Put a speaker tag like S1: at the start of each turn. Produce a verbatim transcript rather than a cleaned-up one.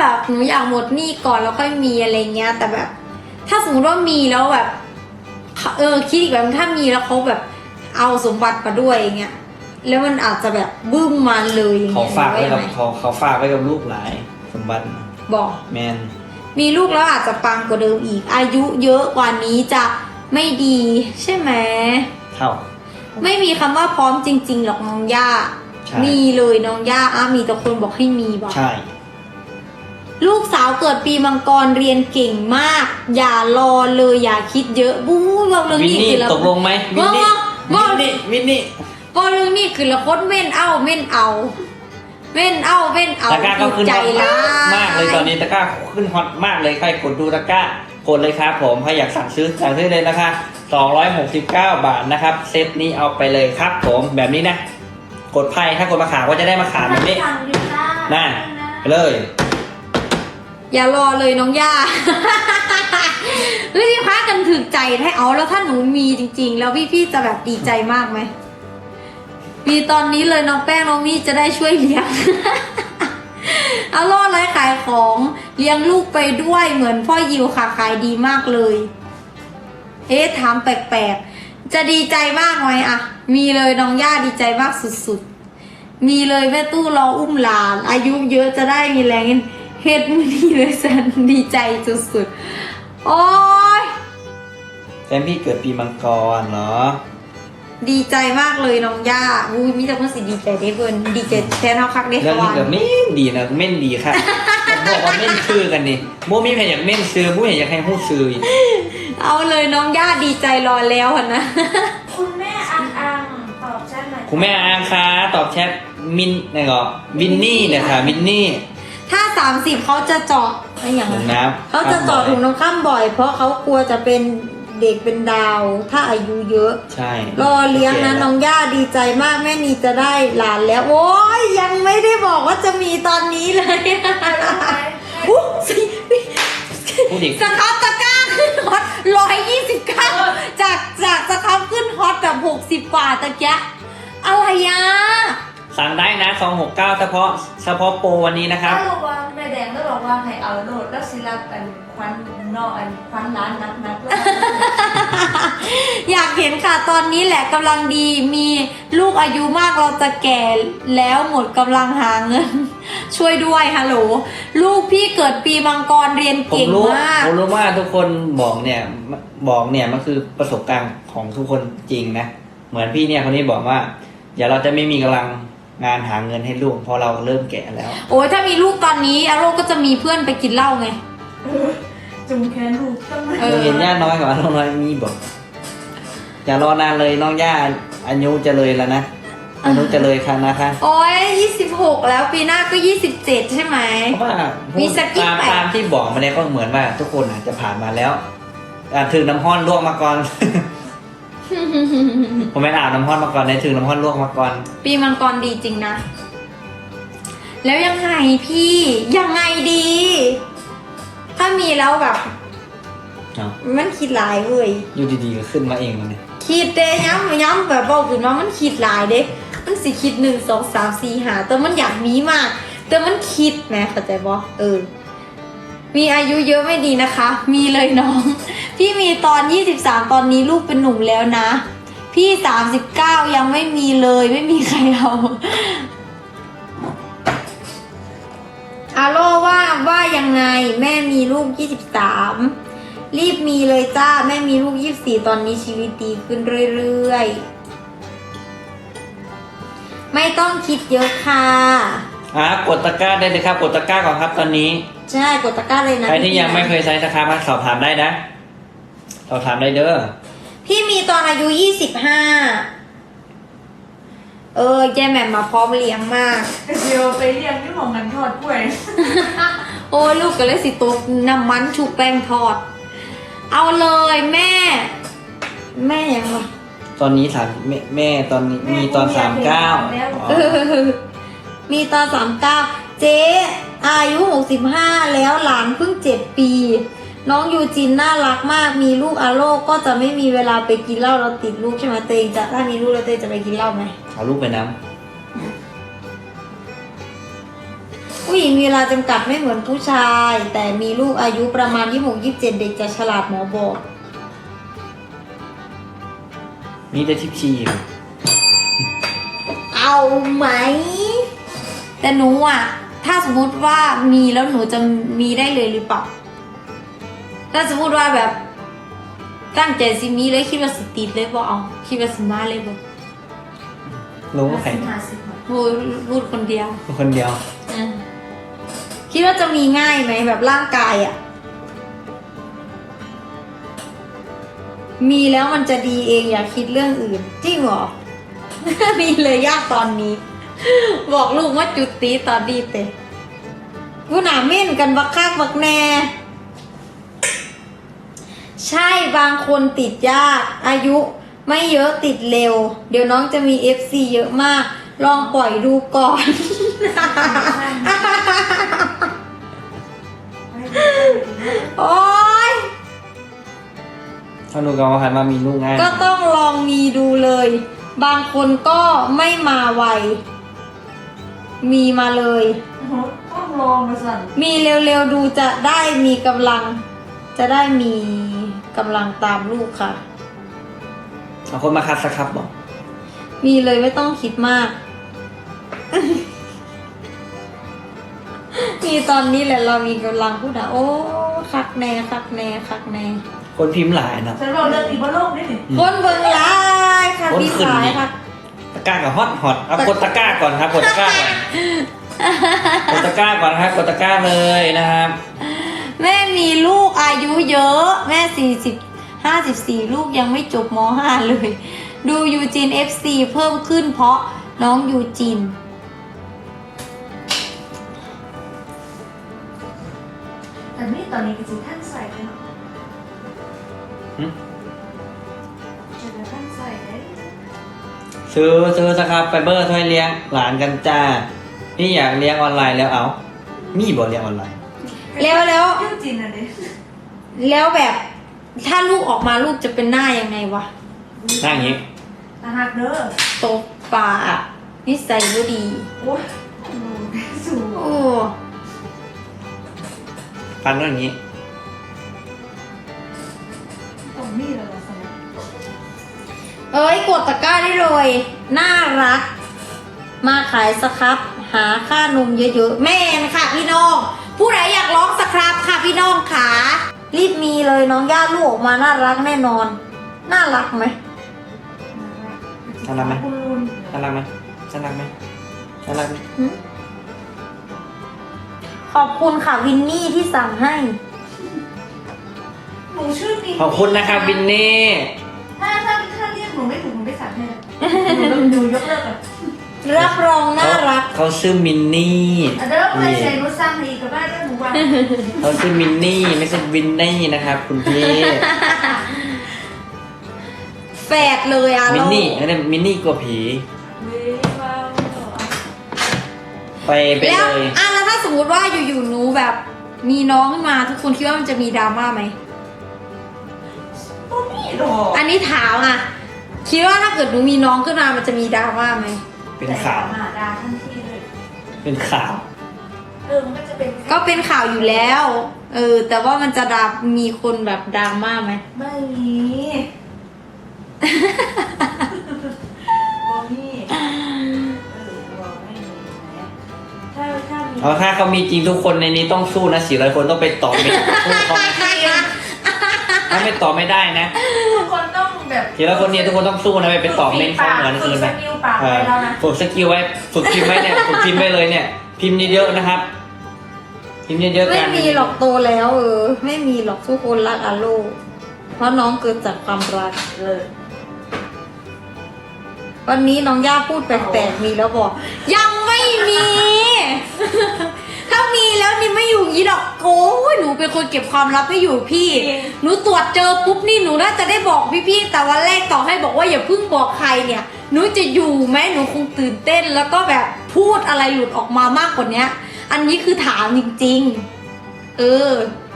S1: แบบหนูอยากหมดหนี้ก่อนแล้วค่อยมีอะไรเงี้ยแต่แบบ ถ้าสมมติว่ามีแล้วแบบเออคิดอีกแบบถ้ามีแล้วเขาแบบเอาสมบัติมาด้วยอย่างเงี้ยแล้วมันอาจจะแบบบึ้มมาเลยอย่าง
S2: เขา
S1: เงี้ย
S2: ฝากไว้กับ
S1: หนู
S2: เขาเขาฝากไว้กับลูกหลายสมบัติ
S1: บอก
S2: แมน
S1: มีลูกแล้วอาจจะปังกว่าเดิมอีก อายุเยอะกว่านี้จะไม่ดีใช่ไหม
S2: เท่า
S1: ไม่มีคำว่าพร้อมจริงๆหรอกน้องย่า
S2: ใช่
S1: มีเลยน้องย่าอ่ะมีแต่คนบอกให้มีบอก
S2: ใช่
S1: ลูกสาวเกิดปีมังกรเรียนเก่งมาก อย่ารอเลยอย่าคิดเยอะบู๊บอกเรื่อง
S2: วิน
S1: นี้
S2: นี่
S1: คือละ
S2: ตกลงไหมวินนี่
S1: บอก
S2: วินนี่วินนี่
S1: บอกเรื่องนี้คือละคนเม่นเอาเม่นเอาเม่นเอาเม่นเอา
S2: ตะกร้าก็ขึ้น
S1: ใจ
S2: ฮอต
S1: ร้าย
S2: มากเลยตอนนี้ตะกร้าขึ้นฮอตมากเลยใครกดดูตะกร้ากดเลยครับผมใครอยากสั่งซื้อสั่งซื้อเลยนะคะสองร้อยหกสิบเก้าบาทนะครับเซตนี้เอาไปเลยครับผมแบบนี้นะกดไพ่ถ้ากดมาขามก็จะได้มาขามแบบนี้น่ะไปเลย
S1: อย่ารอเลยน้องย่า เฮ้ยพี่พากันถึกใจให้เอาแล้วถ้าหนูมีจริงๆ แล้วพี่ๆจะแบบดีใจมากไหมมีตอนนี้เลยน้องแป้งน้องนี่จะได้ช่วยเลี้ยง เอาล่อไรขายของเลี้ยงลูกไปด้วยเหมือนพ่อยิวค่ะขายดีมากเลยเอ๊ะถามแปลกๆจะดีใจมากไหมอะมีเลยน้องย่าดีใจมากสุดๆมีเลยแม่ตู้รออุ้มหลานอายุเยอะจะได้มีแรงเฮ็ดมือดีเลยสันดีใจสุดๆโอ้ย
S2: แฟนพี่เกิดปีมังกรเนาะ
S1: ดีใจมากเลยน้องย่าอุ้ยมีแต่คนสิดีใจได้เพิ่นดีใจแทนเฮาคักได้
S2: เรื่อง
S1: เขา
S2: นี้
S1: ว่า
S2: เกิดเม่นดีนะเม่นดีค่ะบอกว่าเม่นซื้อกันนี่โมมีแผ่นอยากเม่นซื้อมูเห็นอยากให้หู้ซื้ออีก
S1: เอาเลยน้องย่าดีใจรอแล้วอะนะ
S3: คุณแม่อังอังตอบแชทหน่อย
S2: คุณแม่อาคาตอบแชทมินนี่ก็วินนี่เนี่ยค่ะวินนี่
S1: ถ้าสามสิบเขาจะเจาะอะไรอย่าง
S2: ถุง
S1: นั้น
S2: น้ำ
S1: เขาจะเจาะถุงน้ำข้ามบ่อย เพราะเขากลัวจะเป็นเด็กเป็นดาว ถ้าอายุเยอะ
S2: ใช่
S1: รอเลี้ยงนะน้องย่าดีใจมากแม่นีจะได้หลานแล้ว โอ้ยยังไม่ได้บอกว่าจะมีตอนนี้เลย อุ๊ยสิ
S2: พูดอีก
S1: สครับตะกร้าขึ้นฮอตร้อยยี่สิบเก้าจากจากสครับขึ้นฮอตแบบหกสิบกว่าตะเกียะอะไรอ่ะ
S2: สั่งได้นะสองหกเก้าเฉพาะเฉพาะโปรวันนี้นะครับ
S3: ถ้าบอกว่าแม่แดงก็บอกว่าให้เอาโหลดแล้วสิรับกันควันนอกอันควันร้านนักนักแล้ว
S1: อยากเห็นค่ะตอนนี้แหละกำลังดีมีลูกอายุมากเราจะแก่แล้วหมดกำลังหาเงิน ช่วยด้วยฮัลโหลลูกพี่เกิดปีมังกรเรียน
S2: ผม
S1: เก่ง
S2: รู้
S1: มาก
S2: ผมรู้ว่าทุกคนบอกเนี่ยบอกเนี่ยมันคือประสบการณ์ของทุกคนจริงนะ เหมือนพี่เนี่ยคนนี้บอกว่าเดี๋ยวเราจะไม่มีกำลังงานหาเงินให้ลูกเพราะเราเริ่มแก่แล้ว
S1: โอ้ยถ้ามีลูกตอนนี้อาโรก็จะมีเพื่อนไปกินเหล้าไง
S3: จุ่มแขนลูกต้องมา
S1: เออ
S2: เห็นย่าน้อยกว่าน้องน้อยมีบอกอย่ารอนานเลยน้องย่าอายุจะเลยแล้วนะอายุจะเลยค่ะนะคะ
S1: โอ้ยยี่สิบหกแล้วปีหน้าก็ยี่สิบเจ็ดใช่ไหม
S2: เพราะว่า
S1: มีสกิป
S2: ตาม
S1: ไป
S2: ตามที่บอกมาเนี่ยก็เหมือนว่าทุกคนอาจจะผ่านมาแล้วอ่าถึงน้ำห้อนลวกมาก่อน ผมไม่ได้อาบน้ำห้อนมาก่อนในถึงน้ำห้อนลวกมาก่อน
S1: ปีมังกรดีจริงนะ แล้วยังไงพี่ยังไงดี ถ้ามีแล้วแบบ
S2: เอา
S1: มันคิดหลายเว้ย
S2: อยู่ดีๆก็ขึ้นมาเองเลย
S1: คิดเด้ย้ำย้ำแบบบอกขึ้นว่ามันคิดหลายเด้ มันสิคิดหนึ่งสองสามสี่หาแต่มันอยากมีมาก แต่มันคิดแหมเข้าใจบ่เออ มีอายุเยอะไม่ดีนะคะ มีเลยน้อง พี่มีตอนยี่สิบสามตอนนี้ลูกเป็นหนุ่มแล้วนะ พี่สามสิบเก้ายังไม่มีเลยไม่มีใครเอาอาโลว่าว่ายังไงแม่มีลูกยี่สิบสามรีบมีเลยจ้าแม่มีลูกยี่สิบสี่ตอนนี้ชีวิตดีขึ้นเรื่อยๆไม่ต้องคิดเยอะค่ะ
S2: อ่ะกดตะกร้าได้เลยครับกดตะกร้าก่อนครับตอนนี้
S1: ใช่กดตะกร้าเลยนะ
S2: ใครที่ยังไม่เคยใช้สครับมาสอบถามได้นะสอบถามได้เด้อ
S1: พี่มีตอนอายุยี่สิบห้าเออแย่แหม่มมาพร้อมเลี้ยงมาก
S3: เดี๋ยวไปเรียนที่ของกันทอดกล้วย
S1: โอ้ยลูกก็เลยสิตกน้ำมันชุบแป้งทอด เอาเลยแม่ แม่ยังวะ
S2: ตอนนี้สามแม่แม่ตอนนี้มีตอนสามเก้า
S1: เออมีตอนสามเก้าเจ๊อายุหกสิบห้าแล้วหลานเพิ่งเจ็ดปี น้องยูจินน่ารักมากมีลูกอาโลก็จะไม่มีเวลาไปกินเหล้าเราติดลูกใช่ไหมเตยจะถ้ามีลูกแล้วเตยจะไปกินเหล้าไหม
S2: เอาลูกไปน้
S1: ผู้หญิงมีเวลาจำกัดไม่เหมือนผู้ชาย แต่มีลูกอายุประมาณยี่สิบหก ยี่สิบเจ็ดเด็กจะฉลาดหมอบอก
S2: มีแต่ทิปชีอยู่
S1: เอาไหม แต่หนูอ่ะ ถ้าสมมติว่ามีแล้วหนูจะมีได้เลยหรือเปล่า ถ้าสมมติว่าแบบตั้งใจสิมีเลยคิดว่าสติดเลยบ่เอาคิดว่าสิมาเลยบ่
S2: รู้ว่าใคร
S3: ห้าสิบห้าสิบ
S1: โอ้ยรูดคนเดียว
S2: คนเดียว
S1: อ่ะคิดว่าจะมีง่ายไหมแบบร่างกายอ่ะ มีแล้วมันจะดีเองอย่าคิดเรื่องอื่นจริงเหรอ มีเลยยากตอนนี้ บอกลูกว่าจุดตีตอนดีเตะผู้หนาเม่นกันบักคักบักแน่ ใช่บางคนติดยากอายุไม่เยอะติดเร็ว เดี๋ยวน้องจะมี เอฟ ซี เยอะมาก ลองปล่อยดูก่อน โอ๊ย
S2: ถ้าหนูกับว่าหันมามีลูกง่าย
S1: ก็ต้องลองมีดูเลย บางคนก็ไม่มาไว มีมาเลย
S3: โอ้โหต้องลองมาสั่น
S1: มีเร็วๆดูจะได้มีกำลัง จะได้มีกำลังตามลูกค่ะ
S2: เอาคนมาคัดสักครับบอก
S1: มีเลยไม่ต้องคิดมาก มีตอนนี้แหละเรามีกำลังพูดนะโอ้คักแน่คักแน่คักแน่
S2: คนพิมพ์หลายเนาะ
S3: ฉันบอกเรื่องอีกบนโลกนี่นี่
S1: คนเบิ่งร้ายค่ะ
S2: คน
S1: พี่
S2: ขึ้น
S1: สาย
S2: นี่
S1: ค่ะ
S2: ตะกร้ากับฮอตฮอตเอากดตะกร้าก่อนครับกดตะกร้าก่อนกดตะกร้าก่อนนะครับกดตะกร้าเลยนะครับ
S1: แม่มีลูกอายุเยอะ แม่สี่สิบห้าสิบสี่ลูกยังไม่จบมห้าเลย ดูยูจีน เอฟ ซี เพิ่มขึ้นเพราะน้องยูจีน
S3: แต่นี่ตอนนี้ก็จะท่านใส่เลยเนาะ
S2: หึ
S3: จะท่านใส่เลย
S2: ซื้อซื้อสครับไฟเบอร์ช่วยเลี้ยงหลานกันจ้า นี่อยากเลี้ยงออนไลน์แล้วเอา มีบ่เลี้ยงออนไลน์
S1: แล้วแล้ว
S3: ยุ่งจริงอะดิ
S1: แล้วแบบถ้าลูกออกมาลูกจะเป็นหน้ายังไงวะ
S2: หน้าอย่างนี้
S3: ตาหักเด้อ
S1: โตปลาอะนิสัยก็ดี
S3: โอ้ยสูง
S1: โอ้
S2: ฟันก็อย่างนี้
S3: ตรงนี้เลยล่ะสนะ
S1: เอ้ยกดตะกร้าได้เลย น่ารัก มาขายสครับ หาค่านมเยอะๆ แม่นค่ะพี่น้อง ผู้ใดอยากร้องสครับค่ะพี่น้องขารีบมีเลยน้องย่าลูกออกมาน่ารักแน่นอน น่ารักไหม
S2: น่ารักไหม
S3: คุณลุน
S2: น่ารักไหมน่ารักไหมน่ารักไหม
S1: หึขอบคุณค่ะวินนี่ที่สั่งให้
S3: หนูชื่อนี้
S2: ขอบคุณนะครับวินนี่
S3: ถ้าถ้าถ้าเรียกหนูไม่ถูกหนูไม่สั่งให้เลยหนูหนูยกเลิกอ่ะ
S1: รับรองน่ารัก
S2: เขาชื่อมินนี่
S3: อ่ะเดี๋ยวเราไปใส่หนูสั่งให้อีกกับบ้านด้วยหนูว่า
S2: เขาชื่อมินนี่ไม่ใช่วินนี่นะครับ คุณพี่
S1: แฝดเลยอะ
S2: มินนี่
S1: เรา
S2: อันนี้มินนี่กลัวผี
S3: เว้ยว้าว
S2: ไปไป
S1: แล้ว
S2: เลย
S1: อ่ะแล้วถ้าสมมติว่าอยู่ๆหนูแบบ มีน้องขึ้นมาทุกคนคิดว่ามันจะมีดราม่าไหม
S3: ตัวนี้หรอ
S1: อันนี้ถามอ่ะ คิดว่าถ้าเกิดหนูมีน้องขึ้นมามันจะมีดราม่าไหม
S2: เป็นข่าว
S3: หาดาทันทีเลย
S2: เป็นข่าว
S3: เออมันก็จะเป็น
S1: ก็เป็นข่าวอยู่แล้ว เออ แต่ว่ามันจะดรามีคนแบบดราม่าไหม
S3: ไม่มีบอมี่เออบอไม่มีนะถ้าถ้ามี
S2: เอาถ้าเขามีจริงทุกคนในนี้ต้องสู้นะสี่ร้อยคนต้องไปต่อไม่สู้เขานะถ้าไม่ต่อไม่ได้นะ
S3: ทุกคนต้องแบบ
S2: สี่ร้อยคนนี้ทุกคนต้องสู้นะไม่ไปต่อเม้นเขาเหมือน
S3: ฝึ
S2: อื่
S3: ก
S2: น
S3: ส
S2: นะ
S3: กิลปาก
S2: เอ
S3: ไว้
S2: อ
S3: แล้วนะ
S2: ฝึกสกิลไว้ฝึกพิมพ์ไว้เนี่ยฝึกพิมพ์ไว้เลยเนี่ย พิมพ์เยอะๆนะครับ พิมพ์เยอะๆ
S1: ไม่
S2: กัน
S1: มีหรอกโตแล้ว เออ ไม่มีหรอกทุกคนรักอาโลเพราะน้องเกิดจากความรัก
S3: เลย
S1: วันนี้น้องย่าพูดแปลกๆมีแล้วบอก ยังไม่มี ถ้ามีแล้วนี่ไม่อยู่อย่างนี้หรอกโอ้ยหนูเป็นคนเก็บความลับไม่อยู่พี่ หนูตรวจเจอปุ๊บนี่หนูน่าจะได้บอกพี่ๆแต่วันแรกต่อให้บอกว่าอย่าเพิ่งบอกใครเนี่ย หนูจะอยู่ไหมหนูคงตื่นเต้นแล้วก็แบบพูดอะไรหลุดออกมามากกว่านี้อันนี้คือถามจริงๆ เออ